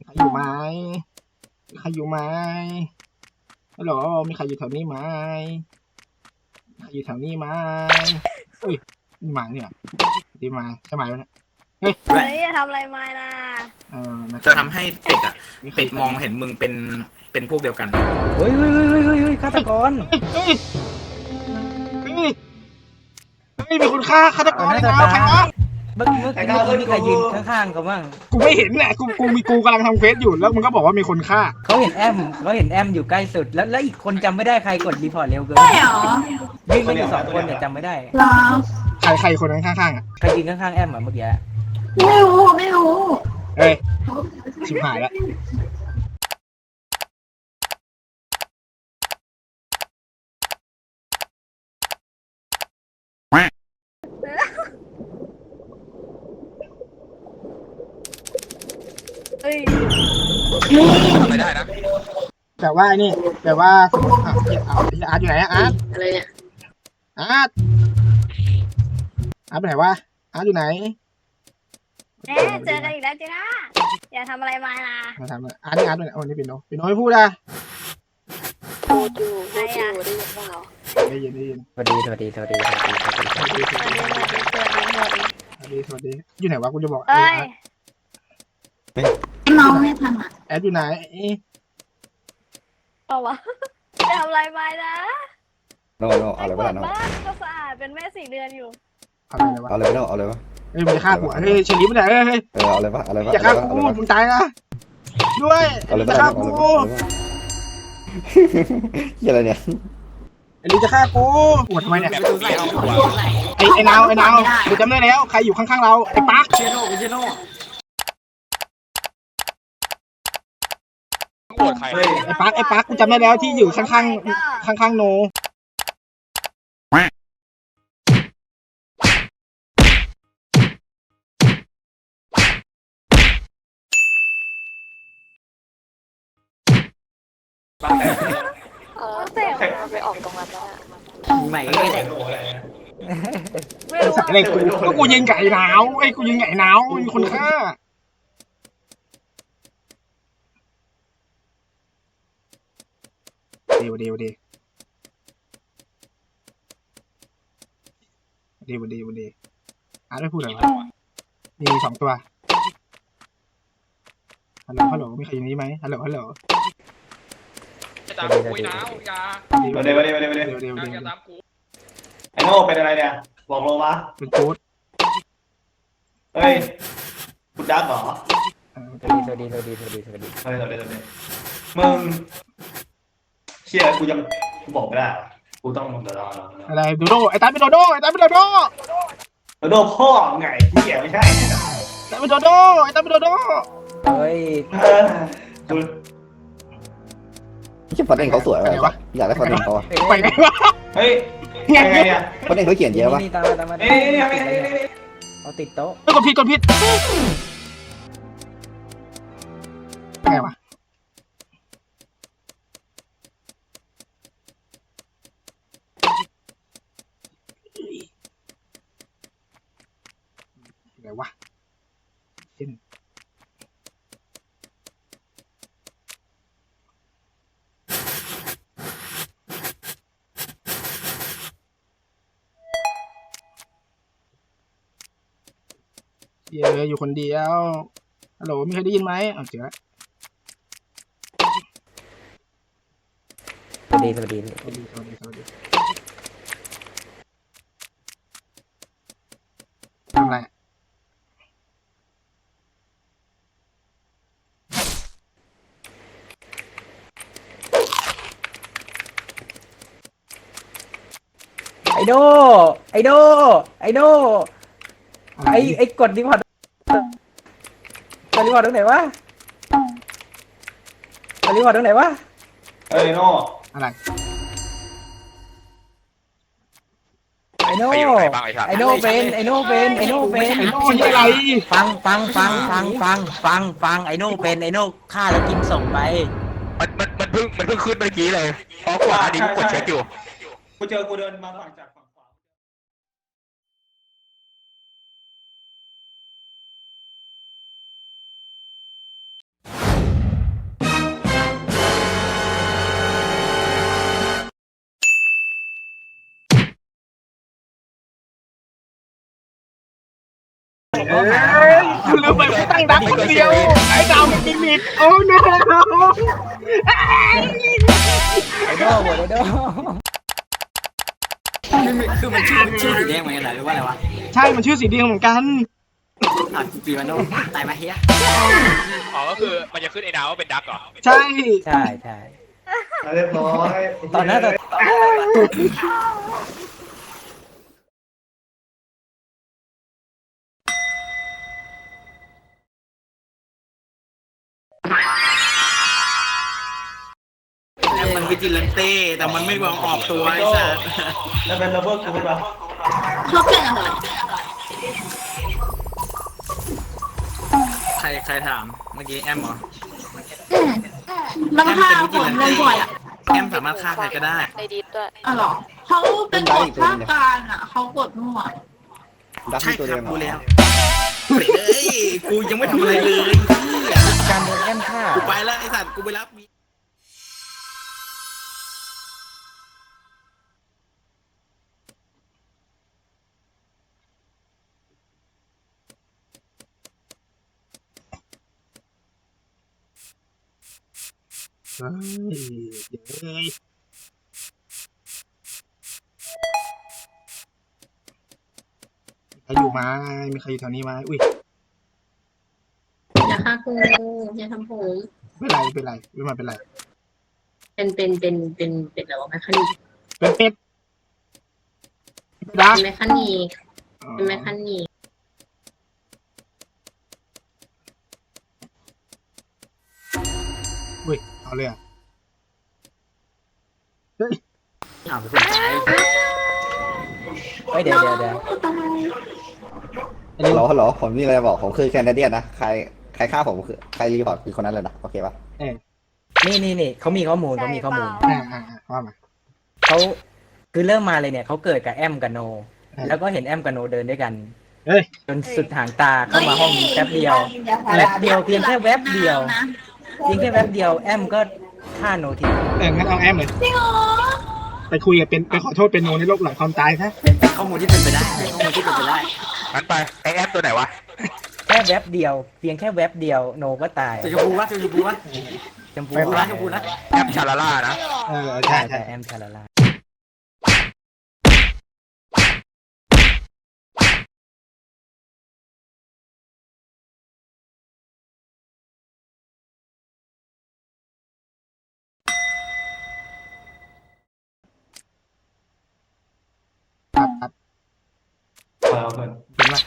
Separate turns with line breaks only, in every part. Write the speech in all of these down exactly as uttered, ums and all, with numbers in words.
ใครอยู่ไหมมีใครอยู่ไหมฮัลโหลมีใครอยู่แถวนี้ไหมมีใครอยู่แถวนี้ไหมอุ้ยนี่หมาเนี่ยดีมาใช่ไหมวะเนี่ยเฮ้ย
เฮ้ยอย่าทำอะไรมานะ
เออนะ
จะทำให้เป็ดอ่ะเป็ดมองเห็นมึงเป็นเป็นพวกเดียวกัน
เฮ้ยเฮ้ยเฮ้ยเฮ้ยเฮ้ยเฮ้ยฆาตกร
เฮ้ยเฮ้ยเฮ้ยมีคนฆ่าฆาตกร
น่า
แล้
จะ
วใคร
ตายว
ะ
เมื่อเมื่อกี้เมื่อกี้มีใครยืนข้างๆเขาบ้าง
กูไม่เห็นแหละกูกูมีกูกำลังทำเควสอยู่แล้วมึงก็บอกว่ามีคนฆ่า
เขาเห็นแอมเขาเห็นแอมอยู่ใกล้สุดแล้วแล้วอีกคนจำไม่ได้ใครกดรีพอร์ตเร็วเกิน
ใช่เหรอ
วิ่งไม่อยู่สองคนเนี่ยจำไม่ได้
เหรอ
ใครใครคนนั้นข้างๆอ่ะ
ใครยืนข้างๆแอมอ่ะเมื่อกี้
ไม่รู้ไม่รู้
เฮ้ยชิบหายแล้ว
เฮ้ย
ทำไม่ได้นะ
แต่ว่าไอ้นี่แต่ว่าอ่ะเอาอาร์ตอยู่ไหนอะอาร์ต
อะไรเนี่ย
อาร์ตอาร์ตไปไหนวะอาร์ตอยู่ไหน
แหมเจอกันอีกแล้วจีน่าอย่าทำอะไรมานะ
มาทำอะไรอาร์ตนี่อาร์ตไปไหนโอ้นี่เป็นโนเป็นโนไม่พูดอะ
พูดอยู่พูดอยู่ได้ยินเปล่า
ได้ยินได้ยิน
สวัสดีสวัสดีสวัสดีสวัสดีสวัสดี
สวัสดีส
ส
วั
วั
ส
ส
ดี
ดีสวัสดีสวัสดีหมด
สวัสดีสวัสดีอยู่ไหนวะกูจะบอก
เอ้ย
น้องไม่ทันอ่ะ
แอดอยู่ไหน
เอาวะอย่าทำอะไรมานะ
โน่โน่เอาเลย
ก
ปะ
วา
ล่ะ
ด
โน่
บ้านก็สะอาดเป็นแม่สี่เดือนอยู่
อะไรวะ
เอาเลยปะโน่เอาเลยปะ
เฮ้ยมึงจะฆ่ากูเฮ้ยเฉลีไปไหนเฮ้ยเฮ้ย
เออเอาเลยปะเอาเลยปะ
อย่าฆ่ากูมึงตายนะด้วย
เอาเลย
จะ
ปะ
ฆ่า
เอา
กู
เลยปะเฮียอะไรเนี่ย
ไอ้ลิจะฆ่ากูปวดทำไมเนี่ยไอ้ไอ้นาวไอ้นาวกูจำได้แล้วใครอยู่ข้างๆเราไอ้ปัก
เชโน่เชโน่
โกรธใคร
ไอ้ปักไอ้ปักกูจำได้แล้วที่อยู่ข้างๆข้างๆโน
เออไปออกตรงนั้นแล้ว
ใหม่
ไม่รู้
ใส่อะไรกูก็กูยิงไก่หนาวไอ้กูยิงไก่หนาวมีคนฆ่าเดี๋ยวเดี๋ยวเดี๋ยวเดี๋ยวเดี๋ยวเดี๋ยวอาร์ตไม่พูดอะไรวะมีสองตัวฮัลโหลฮัลโหลมีใครอยู่นี้ไหมฮัลโหลฮัลโหล
จะตามกูไอ้หนาวอย่า
เดี๋ยว
เดี๋ยวเดี๋ยวเดี๋ยวเดี๋ยว
เดี๋ยวเดี๋ยว
อย่า
เดี๋ยว
ตามกู
ไอ้โน่เป็นอะไรเนี่ย บอกเราวะ
เป็นโค้ด
เฮ้ยคุณดักเหรอ
เออ
สวัสดีสวัสดีสวัสดีสวัสดีสวัสดี
เฮ้ยเดี๋ยวเดี๋ยวเดี๋ยวมึงเชี่ยกูยังกูบอกไม่ได้อะกูต้องเดี๋ยวรอรอรอ
อะไรโดโดไอ้ตาเป็นโดโดไอ้ตาเป็นโดโด
แล้วโดนพ่อไงเหี้ยไม่ใช่
ไอ้ตาเป็นโดโดไอ้ตาเป็นโดโด
เฮ้ย
เออกู
ไม่ใช่ฟอนต์เองเขาสวยว่ะอยากได้ฟอนต์เองเขาอะ
ไปไหนวะ
เฮ้ย
ไง
ยังไงเนี่ย
ฟอนต์เองเขาเขียนเยอะวะ
นี่ตามมาตามมา
เอ้ยเนี่ยเนี่ยเนี่ยเนี่ย
เอาติดโต๊ะ
กดผิดกดผิดไงวะไงวะเช่นเยอะอยู่คนเดียวฮัลโหลมีใครได้ยินไหมเอาเจอแล้ว
สวัสดีสวัสดี
สวัสดีสวัสดีสวัสดีทำอะไรอะ
ไอโดไอโดไอโดไอไอกดรีพอร์ตกดรีพอร์ตตรงไหนวะกดรีพอร์ตตรงไหนวะ
เฮ้ยโน่
อะไร
ไอโน่
ไปอยู่ไหนบ้างไอ้ชาติ
ไอโน่เป็นไอโน่เป็นไอโน่เป็น
ไอ้โน่นี่อะไร
ฟังฟังฟังฟังฟังฟังฟังไอโน่เป็นไอโน่ฆ่าแล้วกินส่งไป
มันมันมันเพิ่งมันเพิ่งขึ้นเมื่อกี้เลยเพราะก่อนอันนี้กูกดเช็คอยู่
กูเจอกูเดินมาฝั่งจากฝั่งขวา
เอ้ยคุณลืมไปว่าตั้งดักคนเดียวไอ้ดาวมันกินมิดโอ้ no
ไอโดโหวตไอโด
คือมันชื่อชื่อสีแดงเหมือนกันเหรอหรือว่าอะไรวะ
ใช่มันชื่อสีแดงเหมือนกัน
อ่ะปีวันโนตายมาเฮีย
อ๋อก็คือมันจะขึ้นไอ้ดาวว่าเป็นดักเหรอ
ใช่
ใช่ใช่
เรียบร้อย
ตอนนั้นตอน
แล้วมันวิจิลันเต้แต่มันไม่ยอมออกตัวไอ้สัส
แล้วเป็นระเบิดกูเป็นปะ
ชอบเป็นอะไร
ใครใครถามเมื่อกี้แอมเหรอ
มันฆ่าคนเล่นบ่อยอ่ะ
แอมสามารถฆ่าใครก็ได้
ในดิสด้วย
อ๋อเหรอเขาเป็นกดภาคกลางอ่ะเขากดมั่ว
ดัก
ใช่
ที่ตัว
ค
เดี
รั
ย
บ
ว
กูแล้วเฮ้ยกูยังไม่ทำอะไรเลย
การโดนแอมฆ่า
กูไปแล้วไอ้สัตว์กูไปรับ
เฮ้ยเดี๋ยวเลยใครอยู่ไหมมีใครอยู่แถวนี้ไหมอุ้ย
อย่าฆ่ากูอย่าทำผม
ไม่เป็นไรไม่เป็นไรไม่มาเป็นไร
เป็นเป็นเป็นเป็นเป็นอะไรวะแมคคานิก
เป็นเป็ดดัก
เป็นแมคคานิกเป็นแมคคานิก
อุ้ยเอาเลยอ่ะ
อ้าวเป็นคนตาย
เฮ้ยเดี๋ยวเดี๋ยวเดี๋ยว
ฮัลโหลฮัลโหลผมมีอะไรบอกผมคือแคนาเดียนนะใครใครฆ่าผมคือใครรีพอร์ตคือคนนั้นเลยนะโอเคปะ
นี่นี่นี่เขามีข้อมูลเขามีข้อมูล
อ่าอ่าอ่าว่ามา
เขาคือเริ่มมาเลยเนี่ยเขาเกิดกับแอมกับโน
อ่า
แล้วก็เห็นแอมกับโนเดินด้วยกัน
เฮ้ย
จนสุดหางตาเข้ามาห้องแป๊บเดียวแป๊บเดียวเพียงแค่แวบเดียวเพียงแค่แวบเดียวแอมก็ฆ่าโนที
เอองั้นเอาแอมเลย
จริงเหรอ
ไปคุยกับเป็นไปขอโทษเป็นโนในโลกหลังความตายซะ
เป็นข้อมูลที่เป็นไปได้เป็นข้อมูลที่เป็นไปได้
งั้นไปไอแอมตัวไหนวะ
แค่แวบเดียว เพียงแค่แวบเดียวโนก็ตาย
จะชมพูวะจะชมพูวะ
ชมพู
ชมพูนะชมพูนะ
แอมชาลาล่านะ
เออ
ใช่
ใช่
ใช่
ใช่
แอมชาลาลา
ครับครับ
ไปเอาเพื่อน
เป็นว่า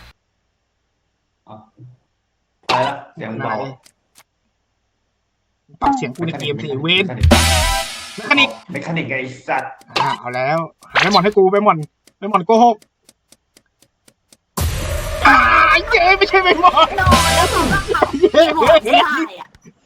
ไปละเสียงเบา
ปรับเสียงกูในเกมสิเวนแมคคานิก
เมคานิกไอ้สัตว์
อ่าเอาแล้วหาไปหมอนให้กูไปหมอนไปหมอนโกหกอ่าเย้ไม่ใช่ไปหมอน
โดนแล้วเขาก็ขับ
เย้
หัวไม่ได้อ่ะ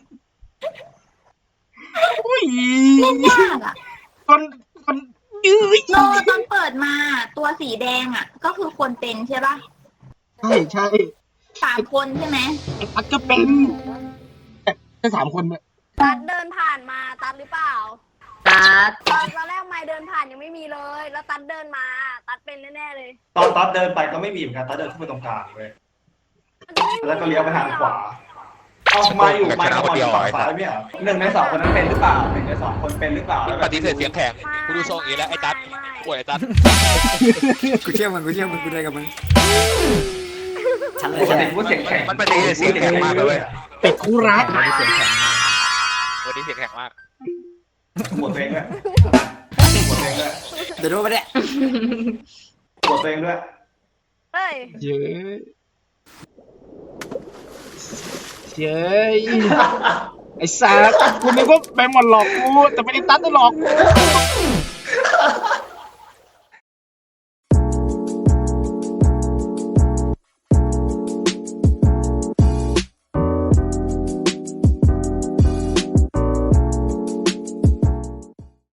อุ้ย
เล่นยากอ่ะ
คนคนยื้อ
โนตอนเปิดมาตัวสีแดงอ่ะ ก็คือคนเป็นใช่ป่ะ
ใช่ใช่
สามคนใช่ไหม
ไอ้ปัดก็เป็นแค่สามคนเนี่ย
ตัดเดินผ่านมาตัดหรือเปล่าตัดตอนตอนแรกไม่เดินผ่านยังไม่มีเลย แล้วตัดเดินมาตัดเป็นแน่ๆเลย
ตอนตัดเดินไปก็ไม่มีเหมือนกันตัดเดินขึ้นไปตรงกลางเว้ยแล้วก็เลี้ยวไปทางขวาเอามาอยู่มาก่อนฝั่งซ้ายไม่เหรอหนึ่งในสองคนนั้นเป็นหรือเปล่าหนึ่งในสองคนเป็นหรือเปล่าแล้ว
ปฏิเสธเสียงแข็งกูดูทรงอย่างนี้แล้วไอ้ตัดป่วยไอ้ตัด
กูเชื่อมันกูเชื่อมันกูเลยกับมึงฉันเลย
ปกติพูดเสียงแข็ง
มันปฏิเสธเสียงแข็งมากเลยเว้ย
เป็ดคู่รัก
ไม่ได้เสียงแข็งมาก
วันนี้เสียงแข็งมาก
หมดตัวเองด้วยหมดตัวเองด้วย
เดี๋ยวดูมาเนี่ย
หมดตัวเองด้วย
เฮ้ย
เย้เย้ไอ้สัสกูนึกว่าไปหมอนหลอกกูแต่ไม่ได้ตัดได้หลอกกู